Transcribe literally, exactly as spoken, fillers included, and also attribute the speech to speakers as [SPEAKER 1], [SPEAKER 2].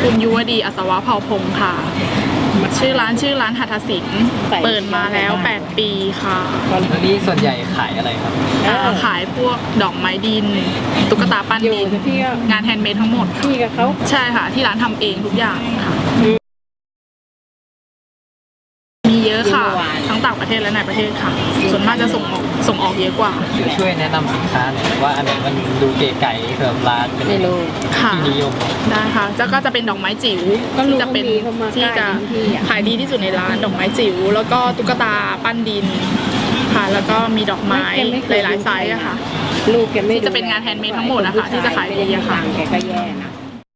[SPEAKER 1] คุณยุวดีอัศวะเผ่าพงค์ค่ะชื่อร้านชื่อร้านหัตถศิลป์เปิดมาแล้วแปดปีค่ะ
[SPEAKER 2] แล้วนี่ส่วนใหญ่ขายอะไรครับ
[SPEAKER 1] ขายพวกดอกไม้ดินตุ๊กตาปั้นดินงานแฮนด์เมดทั้งหมด
[SPEAKER 3] พี่กับเขา
[SPEAKER 1] ใช่ค่ะที่ร้านทำเองทุกอย่างค่ะมีเยอะค่ะทั้งต่างประเทศและในประเทศค่ะส่วนมากจะส่งออกส่งออกเยอะกว่า
[SPEAKER 2] ช่วยแนะนำสินค้าหน่อยว่าอันไหนมันดูเก๋ไก๋สำหรับร้านเป็นที่นิยม
[SPEAKER 1] ได้ค่ะแล้วก็จะเป็นดอกไม้จิ๋วที่จะเป็นที่จะขายดีที่สุดในร้านดอกไม้จิ๋วแล้วก็ตุ๊กตาปั้นดินค่ะแล้วก็มีดอกไม้หลายๆไซส์อะค่ะ
[SPEAKER 3] ลูกแกไม่
[SPEAKER 1] ที่จะเป็นงานแฮนด์เมดทั้งหมดนะคะที่จะขายดีอะค่ะ
[SPEAKER 3] แกก็แย่นะ